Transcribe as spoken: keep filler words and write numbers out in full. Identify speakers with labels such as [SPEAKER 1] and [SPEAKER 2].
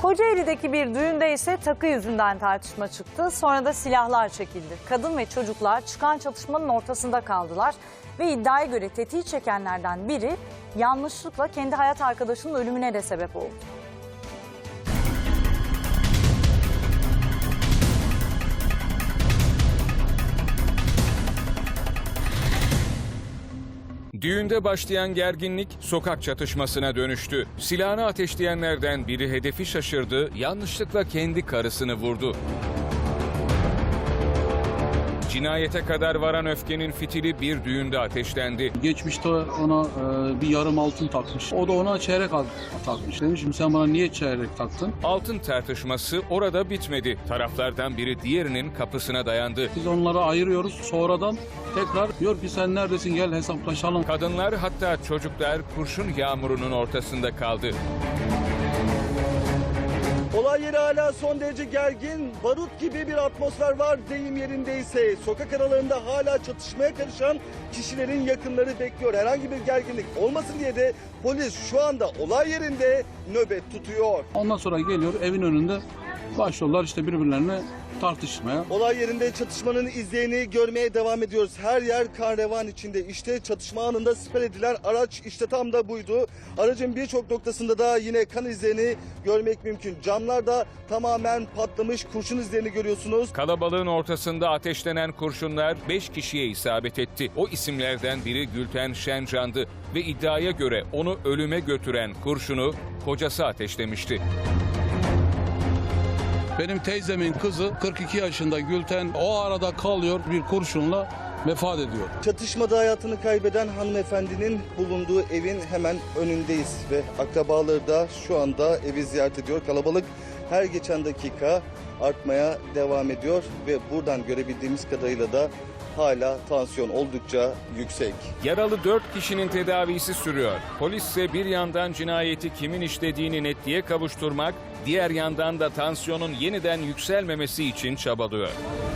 [SPEAKER 1] Kocaeli'deki bir düğünde ise takı yüzünden tartışma çıktı. Sonra da silahlar çekildi. Kadın ve çocuklar çıkan çatışmanın ortasında kaldılar. Ve iddiaya göre tetiği çekenlerden biri yanlışlıkla kendi hayat arkadaşının ölümüne de sebep oldu.
[SPEAKER 2] Düğünde başlayan gerginlik sokak çatışmasına dönüştü. Silahını ateşleyenlerden biri hedefi şaşırdı, yanlışlıkla kendi karısını vurdu. Cinayete kadar varan öfkenin fitili bir düğünde ateşlendi.
[SPEAKER 3] Geçmişte ona e, bir yarım altın takmış. O da ona çeyrek altın takmış. Demişim sen bana niye çeyrek taktın?
[SPEAKER 2] Altın tartışması orada bitmedi. Taraflardan biri diğerinin kapısına dayandı.
[SPEAKER 3] Biz onları ayırıyoruz. Sonradan tekrar diyor ki sen neredesin gel hesaplaşalım.
[SPEAKER 2] Kadınlar hatta çocuklar kurşun yağmurunun ortasında kaldı.
[SPEAKER 4] Olay yeri hala son derece gergin, barut gibi bir atmosfer var deyim yerindeyse. Sokak aralarında hala çatışmaya karışan kişilerin yakınları bekliyor. Herhangi bir gerginlik olmasın diye de polis şu anda olay yerinde nöbet tutuyor.
[SPEAKER 3] Ondan sonra geliyor evin önünde başlıyorlar işte birbirlerine tartışmaya.
[SPEAKER 4] Olay yerinde çatışmanın izlerini görmeye devam ediyoruz. Her yer kan revan içinde. İşte çatışma anında siper edilen araç işte tam da buydu. Aracın birçok noktasında da yine kan izlerini görmek mümkün. Camlar da tamamen patlamış, kurşun izlerini görüyorsunuz.
[SPEAKER 2] Kalabalığın ortasında ateşlenen kurşunlar beş kişiye isabet etti. O isimlerden biri Gülten Şencan'dı ve iddiaya göre onu ölüme götüren kurşunu kocası ateşlemişti.
[SPEAKER 3] Benim teyzemin kızı kırk iki yaşında Gülten o arada kalıyor bir kurşunla vefat ediyor.
[SPEAKER 4] Çatışmada hayatını kaybeden hanımefendinin bulunduğu evin hemen önündeyiz ve akrabaları da şu anda evi ziyaret ediyor. Kalabalık her geçen dakika artmaya devam ediyor ve buradan görebildiğimiz kadarıyla da hala tansiyon oldukça yüksek.
[SPEAKER 2] Yaralı dört kişinin tedavisi sürüyor. Polis ise bir yandan cinayeti kimin işlediğini netliğe kavuşturmak, diğer yandan da tansiyonun yeniden yükselmemesi için çabalıyor.